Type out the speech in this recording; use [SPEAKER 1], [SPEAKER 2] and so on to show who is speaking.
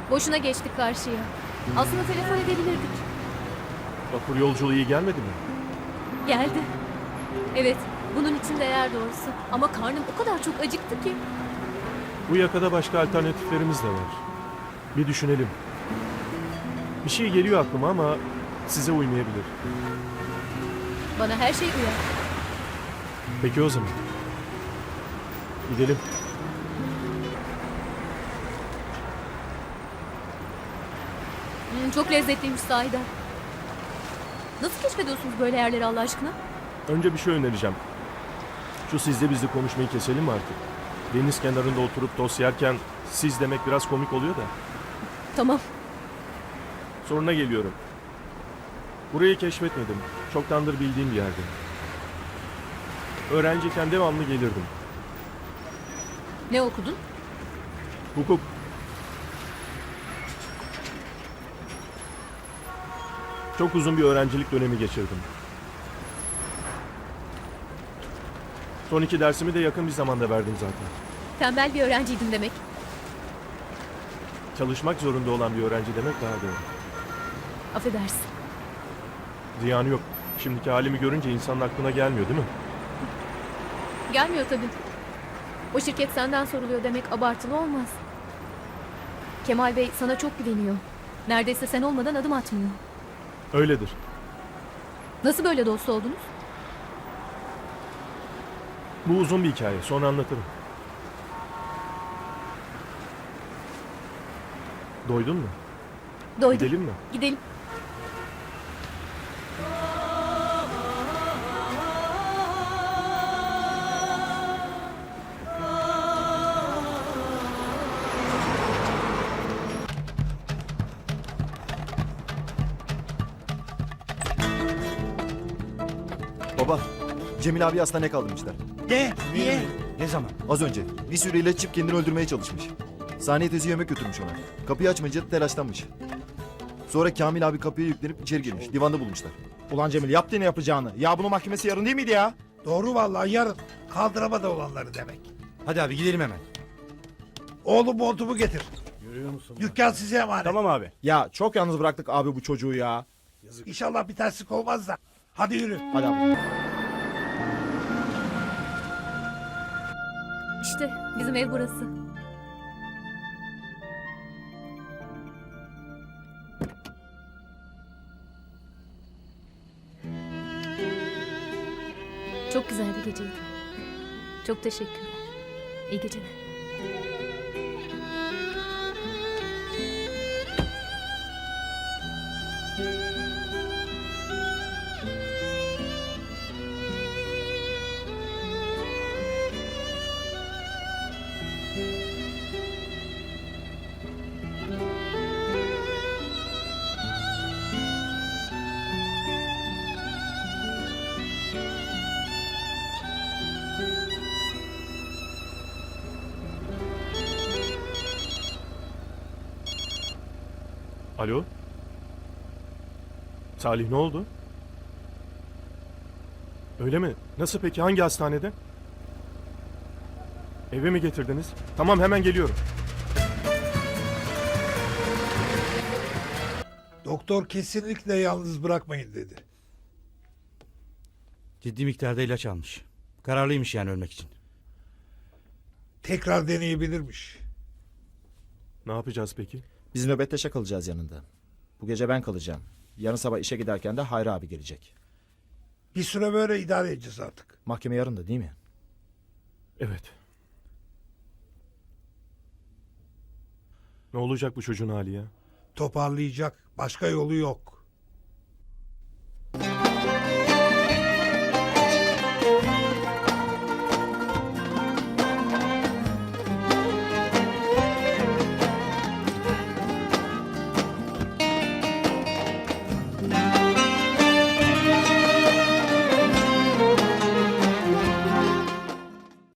[SPEAKER 1] Boşuna geçtik karşıya. Aslında telefon edebilirdik.
[SPEAKER 2] Vapur yolculuğu iyi gelmedi mi?
[SPEAKER 1] Geldi. Evet, bunun için değer doğrusu. Ama karnım o kadar çok acıktı ki.
[SPEAKER 2] Bu yakada başka alternatiflerimiz de var. Bir düşünelim. Bir şey geliyor aklıma ama size uymayabilir.
[SPEAKER 1] Bana her şey uyar.
[SPEAKER 2] Peki o zaman. Gidelim.
[SPEAKER 1] Çok lezzetliymiş sahiden. Nasıl keşfediyorsunuz böyle yerleri Allah aşkına?
[SPEAKER 2] Önce bir şey önereceğim. Şu sizle bizle konuşmayı keselim mi artık? Deniz kenarında oturup tost yerken siz demek biraz komik oluyor da.
[SPEAKER 1] Tamam.
[SPEAKER 2] Soruna geliyorum. Burayı keşfetmedim. Çoktandır bildiğim bir yerde. Öğrenciyken devamlı gelirdim.
[SPEAKER 1] Ne okudun?
[SPEAKER 2] Hukuk. Çok uzun bir öğrencilik dönemi geçirdim. Son 2 dersimi de yakın bir zamanda verdim zaten.
[SPEAKER 1] Tembel bir öğrenciydin demek.
[SPEAKER 2] Çalışmak zorunda olan bir öğrenci demek daha doğru.
[SPEAKER 1] Affedersin.
[SPEAKER 2] Ziyanı yok. Şimdiki halimi görünce insanın aklına gelmiyor değil mi?
[SPEAKER 1] Gelmiyor tabii. O şirket senden soruluyor demek abartılı olmaz. Kemal Bey sana çok güveniyor. Neredeyse sen olmadan adım atmıyor.
[SPEAKER 2] Öyledir.
[SPEAKER 1] Nasıl böyle dost oldunuz?
[SPEAKER 2] Bu uzun bir hikaye. Sonra anlatırım. Doydun mu?
[SPEAKER 1] Doydum.
[SPEAKER 2] Gidelim mi?
[SPEAKER 1] Gidelim.
[SPEAKER 3] Baba, Cemil abi hastaneye kaldırmışlar.
[SPEAKER 4] Ne? Niye? Ne zaman?
[SPEAKER 3] Az önce bir sürü ilaç içip kendini öldürmeye çalışmış. Saniye teyze yemek götürmüş ona. Kapıyı açmayınca telaşlanmış. Sonra Kamil abi kapıya yüklenip içeri girmiş. Divanda bulmuşlar.
[SPEAKER 4] Ulan Cemil yaptı ne yapacağını. Ya bunun mahkemesi yarın değil miydi ya?
[SPEAKER 5] Doğru vallahi yarın. Kaldıramadı olanları demek.
[SPEAKER 4] Hadi abi gidelim hemen.
[SPEAKER 5] Oğlum montumu getir.
[SPEAKER 4] Görüyor musun?
[SPEAKER 5] Dükkan size emanet.
[SPEAKER 4] Tamam abi. Ya çok yalnız bıraktık abi bu çocuğu ya.
[SPEAKER 5] İnşallah bir terslik olmaz da. Hadi yürü.
[SPEAKER 4] Hadi abi.
[SPEAKER 1] İşte bizim ev burası. Çok güzel bir geceydi. Çok teşekkürler. İyi geceler.
[SPEAKER 2] Alo? Salih ne oldu? Öyle mi? Nasıl peki? Hangi hastanede? Eve mi getirdiniz? Tamam hemen geliyorum.
[SPEAKER 5] Doktor kesinlikle yalnız bırakmayın dedi.
[SPEAKER 6] Ciddi miktarda ilaç almış. Kararlıymış yani ölmek için.
[SPEAKER 5] Tekrar deneyebilirmiş.
[SPEAKER 2] Ne yapacağız peki?
[SPEAKER 7] Biz nöbetteşe kalacağız yanında. Bu gece ben kalacağım. Yarın sabah işe giderken de Hayri abi gelecek.
[SPEAKER 5] Bir süre böyle idare edeceğiz artık.
[SPEAKER 7] Mahkeme yarın da değil mi?
[SPEAKER 2] Evet. Ne olacak bu çocuğun hali ya?
[SPEAKER 5] Toparlayacak. Başka yolu yok.